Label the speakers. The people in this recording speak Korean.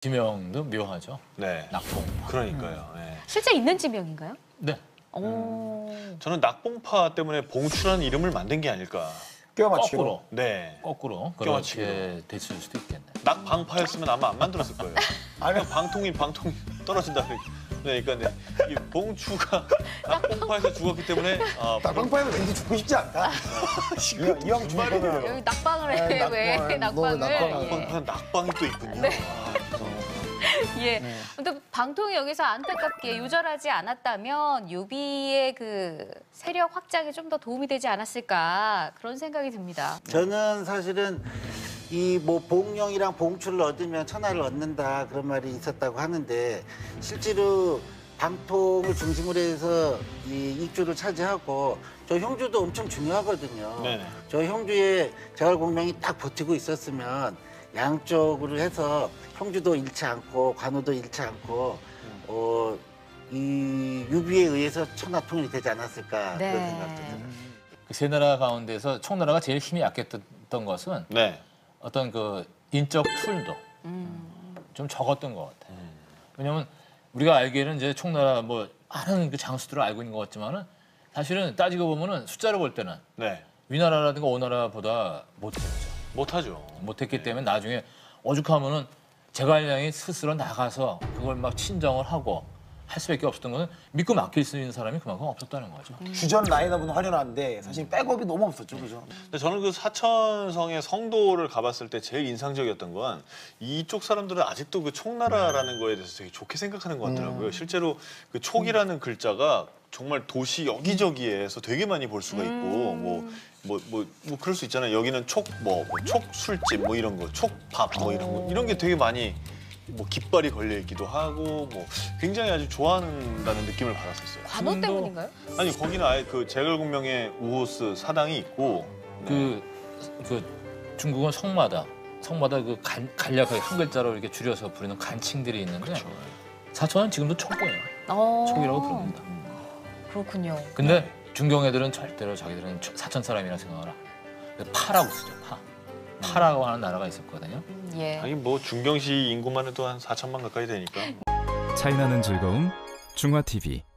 Speaker 1: 지명도 묘하죠.
Speaker 2: 네.
Speaker 1: 낙봉파.
Speaker 2: 그러니까요. 네.
Speaker 3: 실제 있는 지명인가요?
Speaker 1: 네.
Speaker 2: 저는 낙봉파 때문에 봉추라는 이름을 만든 게 아닐까.
Speaker 4: 껴맞추기로.
Speaker 1: 거꾸로.
Speaker 2: 네.
Speaker 1: 거꾸로
Speaker 2: 껴맞추기로.
Speaker 1: 그렇게 됐을 수도 있겠네.
Speaker 2: 낙방파였으면 아마 안 만들었을 거예요.
Speaker 4: 아니,
Speaker 2: 그냥 방통이 떨어진다. 그러니까 네. 이 봉추가 낙봉파에서 죽었기 때문에
Speaker 4: 낙방파에서 왠지 죽고 싶지 않다. 이왕 죽을 거면.
Speaker 3: 여기 낙방을 해.
Speaker 4: 네,
Speaker 3: 왜
Speaker 4: 낙방을,
Speaker 3: 낙방을?
Speaker 4: 낙방을.
Speaker 3: 예.
Speaker 2: 낙방이 또 있군요.
Speaker 3: 네.
Speaker 2: 죄송합니다.
Speaker 3: 예. 근데 방통이 여기서 안타깝게 요절하지 않았다면 유비의 그 세력 확장에 좀 더 도움이 되지 않았을까 그런 생각이 듭니다.
Speaker 5: 저는 사실은 이 뭐 봉령이랑 봉추를 얻으면 천하를 얻는다 그런 말이 있었다고 하는데 실제로 방통을 중심으로 해서 이 입주를 차지하고 저 형주도 엄청 중요하거든요.
Speaker 2: 네네.
Speaker 5: 저 형주의 제갈공명이 딱 버티고 있었으면 양쪽으로 해서 형주도 잃지 않고 관우도 잃지 않고 이 유비에 의해서 천하 통일이 되지 않았을까
Speaker 3: 네.
Speaker 5: 그런 생각도 들어요.
Speaker 1: 그 세 나라 가운데서 총나라가 제일 힘이 약했던 것은
Speaker 2: 네.
Speaker 1: 어떤 그 인적 툴도 좀 적었던 것 같아요. 왜냐하면 우리가 알기에는 이제 총나라 뭐 많은 그 장수들을 알고 있는 것 같지만은 사실은 따지고 보면은 숫자로 볼 때는
Speaker 2: 네.
Speaker 1: 위나라라든가 오나라보다 못했죠.
Speaker 2: 못하죠.
Speaker 1: 못했기 때문에 나중에 오죽하면은 제갈량이 스스로 나가서 그걸 막 친정을 하고 할 수밖에 없었던 거는 믿고 맡길 수 있는 사람이 그만큼 없었다는 거죠.
Speaker 4: 주전 라인업은 화려한데 사실 백업이 너무 없었죠, 그죠?
Speaker 2: 근데 저는 그 사천성의 성도를 가봤을 때 제일 인상적이었던 건 이쪽 사람들은 아직도 그 촉나라라는 거에 대해서 되게 좋게 생각하는 것 같더라고요. 실제로 그 촉이라는 글자가 정말 도시 여기저기에서 되게 많이 볼 수가 있고 뭐 그럴 수 있잖아요. 여기는 촉술집 뭐 이런 거, 촉밥 뭐 이런 거 이런 게 되게 많이 뭐 깃발이 걸려 있기도 하고 뭐 굉장히 아주 좋아한다는 느낌을 받았었어요.
Speaker 3: 관우 때문인가요?
Speaker 2: 아니 거기는 아예 그 제갈공명의 우호스 사당이 있고
Speaker 1: 그 중국은 성마다 그 간략하게 한 글자로 이렇게 줄여서 부르는 간칭들이 있는데 사천은 지금도 촉이에요. 촉이라고 부릅니다.
Speaker 3: 그렇군요.
Speaker 1: 근데 중경 애들은 절대로 자기들은 사천 사람이라 생각하라. 파라고 쓰죠. 파라고 하는 나라가 있었거든요.
Speaker 3: 예.
Speaker 2: 하긴 뭐 중경시 인구만 해도 한 4천만 가까이 되니까.
Speaker 6: 차이나는 즐거움 중화TV